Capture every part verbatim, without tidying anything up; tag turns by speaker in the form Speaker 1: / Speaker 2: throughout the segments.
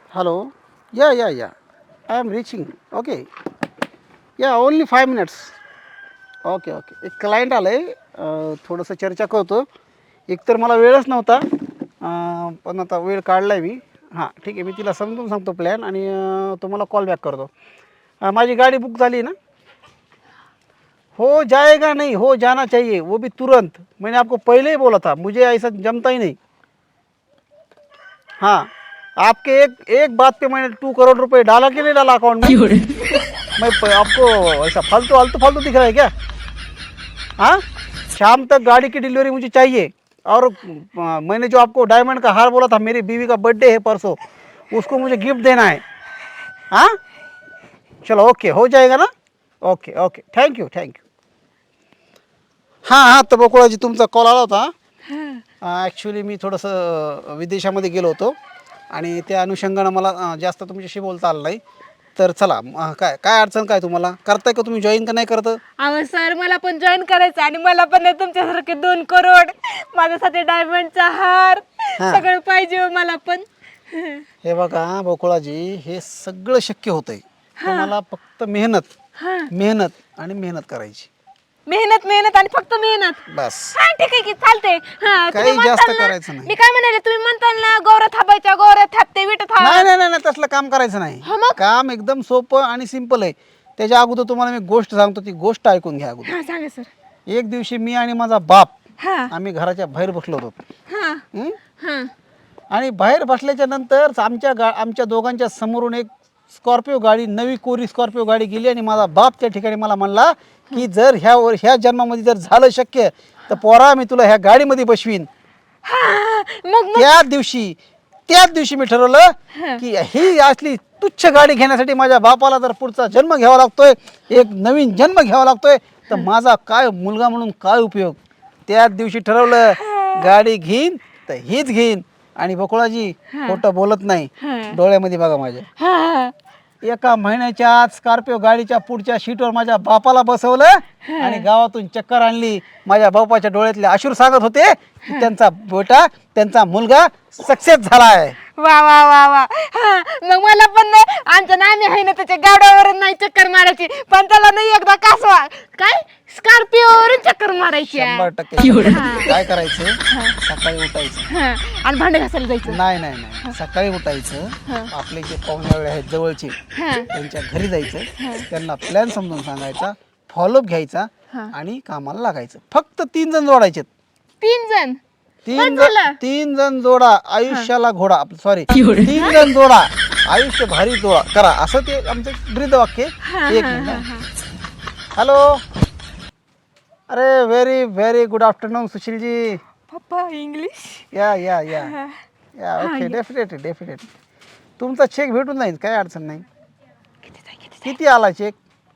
Speaker 1: Hello. Yeah, yeah, yeah. I am reaching. Okay. Yeah, only five minutes. Okay okay एक client आलं आहे थोडंसं चर्चा करतो. एकतर मला वेळच नव्हता अं, पण आता वेळ काढला आहे मी. हां ठीक आहे, मी तिला समजून सांगतो प्लॅन आणि अं, तुम्हाला कॉल बॅक करतो. अं, माझी गाडी बुक झाली ना. हो जाएगा नहीं, हो जाना चाहिए, वो भी तुरंत. मैंने आपको पहले ही बोला था, मुझे ऐसा जमता ही नहीं. हाँ आपके एक एक बात पे मैंने टू करोड़ रुपए डाला कि नहीं डाला अकाउंट में. मैं प- आपको ऐसा फालतू फालतू फालतू दिख रहा है क्या? हाँ शाम तक गाड़ी की डिलीवरी मुझे चाहिए. और अ, मैंने जो आपको डायमंड का हार बोला था, मेरी बीवी का बर्थडे है परसों, उसको मुझे गिफ्ट देना है. हाँ चलो ओके, हो जाएगा ना. Okay okay, thank you thank you. हां हां तर बकुळाजी तुमचा कॉल आला होता. ॲक्च्युली मी थोडंसं विदेशामध्ये गेलो होतो आणि त्या अनुषंगानं मला अ, जास्त तुमच्याशी बोलता आलं नाही. तर चला अ, काय काय अडचण काय तुम्हाला, करताय का तुम्ही जॉईन का नाही करत?
Speaker 2: अहो सर मला पण जॉईन करायचं आणि मला पण ना तुमच्यासारखे दोन करोड माझ्यासाठी डायमंडचा हार
Speaker 1: हा.
Speaker 2: सगळं पाहिजे हो मला पण.
Speaker 1: हे बघा बकुळाजी, हे सगळं शक्य होतंय. तुम्हाला फक्त मेहनत
Speaker 2: हा.
Speaker 1: मेहनत आणि मेहनत करायची
Speaker 2: मेहनत मेहनत आणि फक्त मेहनत.
Speaker 1: बस.
Speaker 2: हा ठीक आहे की चालते. हा, तुम्ही
Speaker 1: काही जास्त
Speaker 2: म्हणताल ना-
Speaker 1: करायचं नाही.
Speaker 2: मी काय म्हणाले, तुम्ही म्हणताल ना गौऱ्या थापायच्या, गौऱ्या थापते विट थाप.
Speaker 1: नाही नाही नाही नाही, तसलं काम करायचं नाही.
Speaker 2: हा मग?
Speaker 1: काम एकदम सोपं आणि सिंपल आहे. त्याच्या अगोदर तुम्हाला मी गोष्ट सांगतो, ती गोष्ट ऐकून घ्या अगोदर.
Speaker 2: हा सांगा सर.
Speaker 1: एक दिवशी मी आणि माझा बाप
Speaker 2: हा
Speaker 1: आम्ही घराच्या बाहेर बसलो होतो.
Speaker 2: हा
Speaker 1: हं?
Speaker 2: हा
Speaker 1: आणि बाहेर बसल्याच्या नंतर आमच्या गा आमच्या दोघांच्या समोरून एक स्कॉर्पिओ गाडी, नवी कोरी स्कॉर्पिओ गाडी गेली आणि माझा बाप त्या ठिकाणी मला म्हणला की जर ह्या वर ह्या जन्मामध्ये जर झालं शक्य तर पोरा मी तुला ह्या गाडीमध्ये बसवीन.
Speaker 2: हा. मग मग
Speaker 1: त्या दिवशी त्याच दिवशी मी ठरवलं की ही असली तुच्छ गाडी घेण्यासाठी माझ्या बापाला जर पुढचा जन्म घ्यावा लागतोय, एक नवीन जन्म घ्यावा लागतोय, तर माझा काय मुलगा म्हणून काय उपयोग. त्याच दिवशी ठरवलं गाडी घेईन तर हीच घेईन. आणि बकुळाजी खोटं बोलत नाही, डोळ्यामध्ये बघा माझ्या.
Speaker 2: हा
Speaker 1: एका महिन्याच्या आत स्कॉर्पिओ गाडीच्या पुढच्या सीटवर माझ्या बापाला बसवलं आणि गावातून चक्कर आणली. माझ्या बापाच्या डोळ्यातले अश्रू सांगत होते की त्यांचा बेटा, त्यांचा मुलगा सक्सेस झाला आहे.
Speaker 2: वा वा वा वा. हा मग मला पण ना आमच्या नामी आहे ना त्याच्या गाड्यावर नाही चक्कर मारायची, पण त्याला नाही एकदा कासवा काय स्कॉर्पिओवरून चक्कर मारायची आहे.
Speaker 1: शंभर टक्के. काय करायचं, सकाळी उठायचं.
Speaker 2: हा. आणि भांडे घासायला जायचं.
Speaker 1: नाही नाही नाही, सकाळी उठायचं. आपले जे पाहुणे आहेत जवळचे, त्यांच्या घरी जायचं, त्यांना प्लॅन समजून सांगायचा, फॉलोअप घ्यायचा आणि कामाला लागायचं. फक्त तीन जण जोडायचे.
Speaker 2: तीन जण
Speaker 1: तीन
Speaker 2: बस
Speaker 1: जण
Speaker 2: झालं.
Speaker 1: तीन जण जोडा आयुष्याला घोडा, सॉरी तीन जण जोडा आयुष्य भारी जोडा करा, असं ते आमचं ब्रीद वाक्य. एक मिनिट. हॅलो, अरे very very good afternoon Sushil ji.
Speaker 2: पप्पा English.
Speaker 1: Yeah yeah yeah yeah okay, definitely definitely तुमचा चेक भेटून जाईल, काय अडचण नाही. किती आला चेक?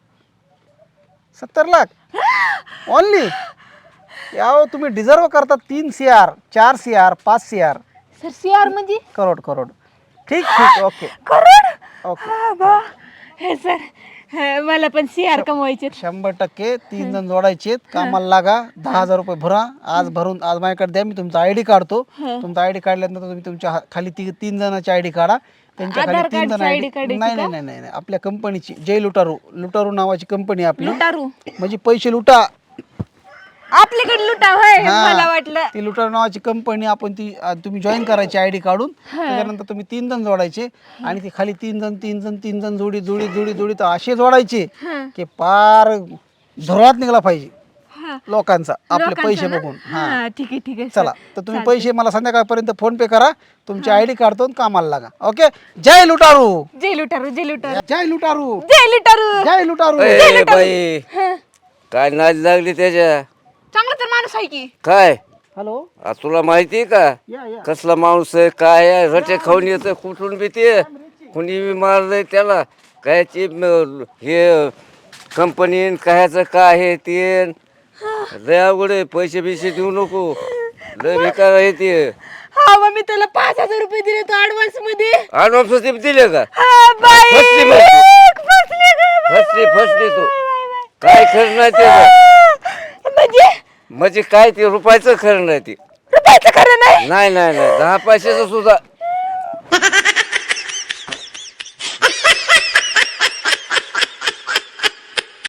Speaker 1: सत्तर लाख ओनली. याव तुम्ही डिझर्व करता तीन सी आर, चार सी आर, पाच सी आर.
Speaker 2: सर सीआर म्हणजे
Speaker 1: करोड करोड. ठीक ठीक ओके
Speaker 2: करोड.
Speaker 1: ओके.
Speaker 2: हा, बा. हे सर हा, मला पण सीआर कमवायचे.
Speaker 1: शंभर टक्के तीन जण जोडायचे. कामाला लागा, दहा हजार रुपये भरा. आज भरून आज माझ्याकडे द्या, मी तुमचा आय डी काढतो. तुमचा आय डी काढल्यानंतर तुम्ही तुमच्या हा- खाली ती तीन जणांची आय डी काढा. त्यांच्या खाली
Speaker 2: आधार
Speaker 1: तीन जण
Speaker 2: कार्डची
Speaker 1: आय
Speaker 2: ID
Speaker 1: डी.
Speaker 2: काढायची
Speaker 1: नाही नाही
Speaker 2: का?
Speaker 1: नाही नाही नाही. आपल्या कंपनीची जय लुटारू लुटारू नावाची कंपनी आपली,
Speaker 2: लुटारू
Speaker 1: म्हणजे पैसे लुटा.
Speaker 2: आपल्याकडे लुटा होय.
Speaker 1: हा.
Speaker 2: मला वाटलं
Speaker 1: ती लुटारू नावाची कंपनी, आपण ती अ, तुम्ही जॉईन करायची आय डी काढून. त्याच्यानंतर तुम्ही तीन जण जोडायचे आणि ती खाली तीन जण तीन जण तीन जण जोडी जोडी जोडी जोडी तर असे जोडायचे की पार धुरात निघाला पाहिजे
Speaker 2: हा.
Speaker 1: लोकांचा आपले
Speaker 2: लोकांचं
Speaker 1: पैसे
Speaker 2: ना?
Speaker 1: बघून. हा
Speaker 2: हा ठीक आहे ठीक आहे सर.
Speaker 1: चला, तर तुम्ही पैसे मला संध्याकाळपर्यंत फोन पे करा. तुमची आय डी काढतो आणि कामाला लागा. ओके. जय लुटारू,
Speaker 2: जय लुटारू जय लुटारू
Speaker 1: जय लुटारू,
Speaker 2: जय लुटारू.
Speaker 1: जय लुटारू.
Speaker 3: ए बाई, काय नाच लागली त्याच्या?
Speaker 2: चांगला तर माणूस आहे की.
Speaker 3: काय
Speaker 1: हॅलो,
Speaker 3: आ, तुला माहिती आहे का
Speaker 1: या या.
Speaker 3: कसला माणूस आहे, काय आहे, रटे खाऊन येतं कुठून बी ते, कुणी बी मारलंय त्याला. कायची म- हे कंपनी कायचं काय आहे ते, लय अवघड आहे. पैसे बिसे देऊ नको, लय बेकार आहे ते.
Speaker 2: हा मग मी त्याला पाच हजार रुपये दिले तो ऍडव्हान्स मध्ये.
Speaker 3: ऍडव्हान्स दिले का?
Speaker 2: हा बाई
Speaker 3: फसली मग तू.
Speaker 2: फसली गं, बाई,
Speaker 3: फसली
Speaker 2: बाई,
Speaker 3: फसली तू.
Speaker 2: बाई, बाई, बाई.
Speaker 3: काय खरं नाही त्याचं,
Speaker 2: म्हणजे
Speaker 3: म्हणजे काय ते रुपयाचं खरं नाही ते.
Speaker 2: रुपयाचं खरं नाही.
Speaker 3: नाही नाही नाही, दहा पैशाचं सुद्धा